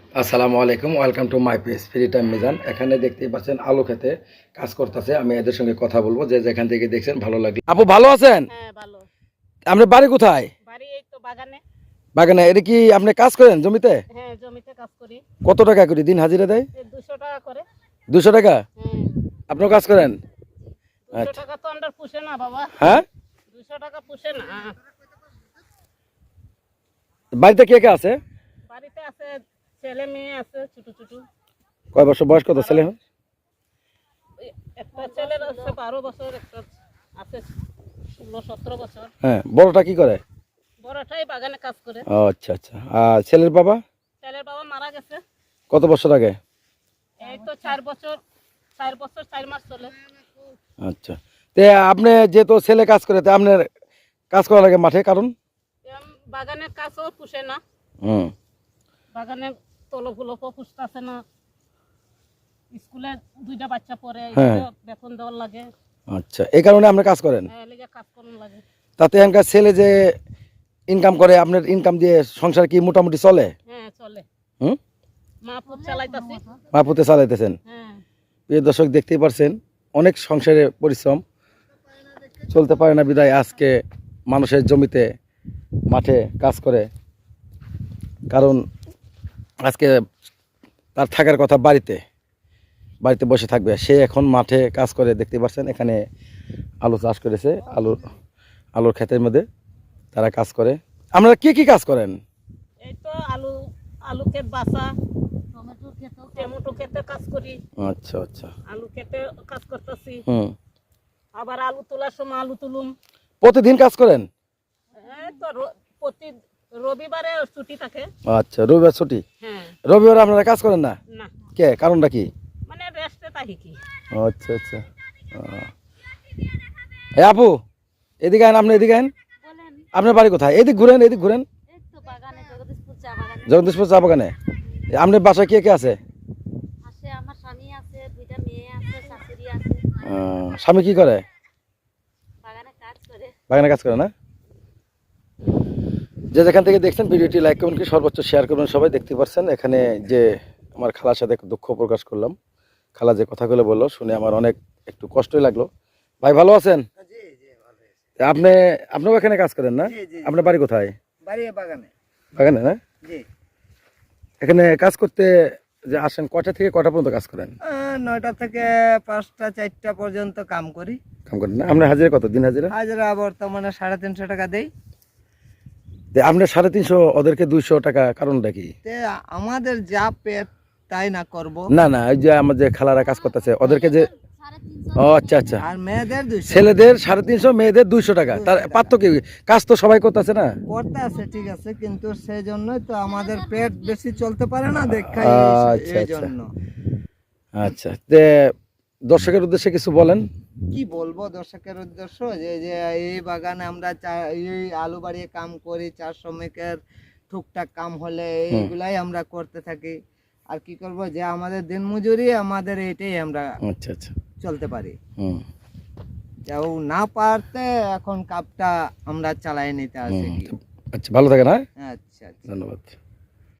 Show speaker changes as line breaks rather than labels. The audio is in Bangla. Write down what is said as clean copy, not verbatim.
আসসালামু আলাইকুম, welcome to my page free time Mizan. এখানে দেখতেই পাচ্ছেন আলু খেতে কাজ করতেছে। আমি এদের সঙ্গে কথা বলবো, যে যেখান থেকে দেখছেন ভালো লাগলো। আপু ভালো আছেন?
হ্যাঁ ভালো।
আপনার বাড়ি কোথায়?
বাড়ি এই তো বাগানে।
বাগানে? এটা কি আপনি কাজ করেন জমিতে?
হ্যাঁ জমিতে কাজ করি।
কত টাকা করে দিন হাজিরা দেয়?
200 টাকা করে।
200 টাকা?
হ্যাঁ।
আপনিও কাজ করেন?
200 টাকা তো আন্ডার পুষে না বাবা।
হ্যাঁ,
200 টাকা পুষে না।
বাড়িতে কে কে আছে?
বাড়িতে আছে ছেলে মেয়ে আছে ছোট ছোট।
কয় বছর বয়স, কত ছেলে?
একটা ছেলের আছে 12 বছর, একটা আছে 16-17 বছর।
হ্যাঁ, বড়টা কি করে?
বড়টাই বাগানে কাজ করে।
ও আচ্ছা আচ্ছা। আর ছেলের বাবা?
ছেলের বাবা মারা গেছে।
কত বছর আগে?
এই তো 4 বছর 4 মাস চলে।
আচ্ছা, তে আপনি যেহেতু ছেলে কাজ করে, তে আপনার কাজ করা লাগে মাঠে, কারণ
বাগানের কাজও পুষে না।
হুম,
বাগানে তলফুলো পুষতেছে না। স্কুলে 2টা বাচ্চা পড়ে,
হ্যাঁ।
বেতন দেওয়ার লাগে।
আচ্ছা, এই কারণে আপনি কাজ করেন?
লেগে কাজ করুন লাগে।
তাতে এখানকার ছেলে যে ইনকাম করে, আপনার ইনকাম দিয়ে সংসার কি মোটামুটি চলে?
হ্যাঁ চলে।
হুম,
মা পুত চালাইতাছি।
মাপুতে চালাইতেছেন।
হ্যাঁ।
প্রিয় দর্শক, দেখতেই পারছেন অনেক সংসারে পরিশ্রম, চলতে পারে না বিদায় আজকে মানুষের জমিতে মাঠে কাজ করে। কারণ আজকে তার থাকার কথা বাড়িতে, বাড়িতে বসে থাকবে, সে এখন মাঠে কাজ করে। দেখতে পাচ্ছেন এখানে আলু চাষ করেছে, আলুর ক্ষেতের মধ্যে তারা কাজ করে। আপনারা কি কি কাজ করেন?
এই তো আলু ক্ষেত বাসা, টমেটো ক্ষেতে কাজ করি।
আচ্ছা আচ্ছা।
আলু ক্ষেতে কাজ করতেছি।
হুম,
আবার আলু তোলার সময় আলু তুলুম।
প্রতিদিন কাজ করেন?
এই তো প্রতি রবিবারে ছুটি থাকে।
আচ্ছা, রবিবার ছুটি?
হ্যাঁ।
রবিবার আপনারা কাজ করেন না?
না,
কে, কারণটা কি?
মানে রেস্টে থাকি কি।
আচ্ছা আচ্ছা। এ আপু, এদিকে আইন, আপনি এদিকে আইন। আপনার বাড়ি কোথায়? এদিক ঘুরেন, এদিক ঘুরেন। জগদীশপুর চা বাগানে? আপনার বাসায় কে কে আছে?
আমার স্বামী আছে, 2টা মেয়ে আছে, শাশুড়ি আছে।
স্বামী কি করে?
বাগানে কাজ করে।
বাগানে কাজ করে না? যে যেখান থেকে দেখছেন ভিডিওটি লাইক করবেন, কি সর্বোচ্চ শেয়ার করবেন। সবাই দেখতে পাচ্ছেন এখানে যে আমার খালার সাথে দুঃখ প্রকাশ করলাম। খালা যে কথাগুলো বললো শুনে আমার অনেক একটু কষ্টই লাগলো। ভাই ভালো আছেন? আপনি, আপনিও এখানে কাজ করেন না? আপনার বাড়ি কোথায়?
বাড়ি বাগানে।
বাগানে না?
জি।
এখানে কাজ করতে যে আসেন, কয়টা থেকে কয়টা পর্যন্ত কাজ করেন?
9টা থেকে 5টা 4টা পর্যন্ত কাম করি।
কাম করেন না? আপনার হাজিরা কত দিন হাজিরা?
হাজিরা বর্তমানে 350 টাকা দেই।
আপনার 350, ওদেরকে 200 টাকা, কারণটা কি?
তে আমাদের যা পেট তাই না করব।
না না, ওই যে আমার যে খালারা কাজ করতেছে ওদেরকে যে, ও আচ্ছা আচ্ছা,
আর মেয়েদের 200
ছেলেদের 350, মেয়েদের 200 টাকা। তার পার্থক্য কি? কাজ তো সবাই করতেছে না?
করতে আছে, ঠিক আছে, কিন্তু সেই জন্যই তো আমাদের পেট বেশি চলতে পারে না, দেখাই
আচ্ছা
এই
আচ্ছা
জন্য।
আচ্ছা। তে দর্শকের উদ্দেশ্যে কিছু বলেন।
কি বলবো দর্শকের উদ্দেশ্য, যে যে এই বাগানে আমরা এই আলু বাড়িয়ে কাম করি, চার শ্রমিকের টুকটাক কাম হলে এইগুলাই আমরা করতে থাকি। আর কি করব, যে আমাদের দিন মজুরি, আমাদের এটাই আমরা
আচ্ছা আচ্ছা।
চলতে পারি।
হুম
কেউ না পারতে এখন কাপটা আমরা চালাই নিতে আসি।
আচ্ছা, ভালো থাকেন। হ্যাঁ,
আচ্ছা আচ্ছা।
ধন্যবাদ।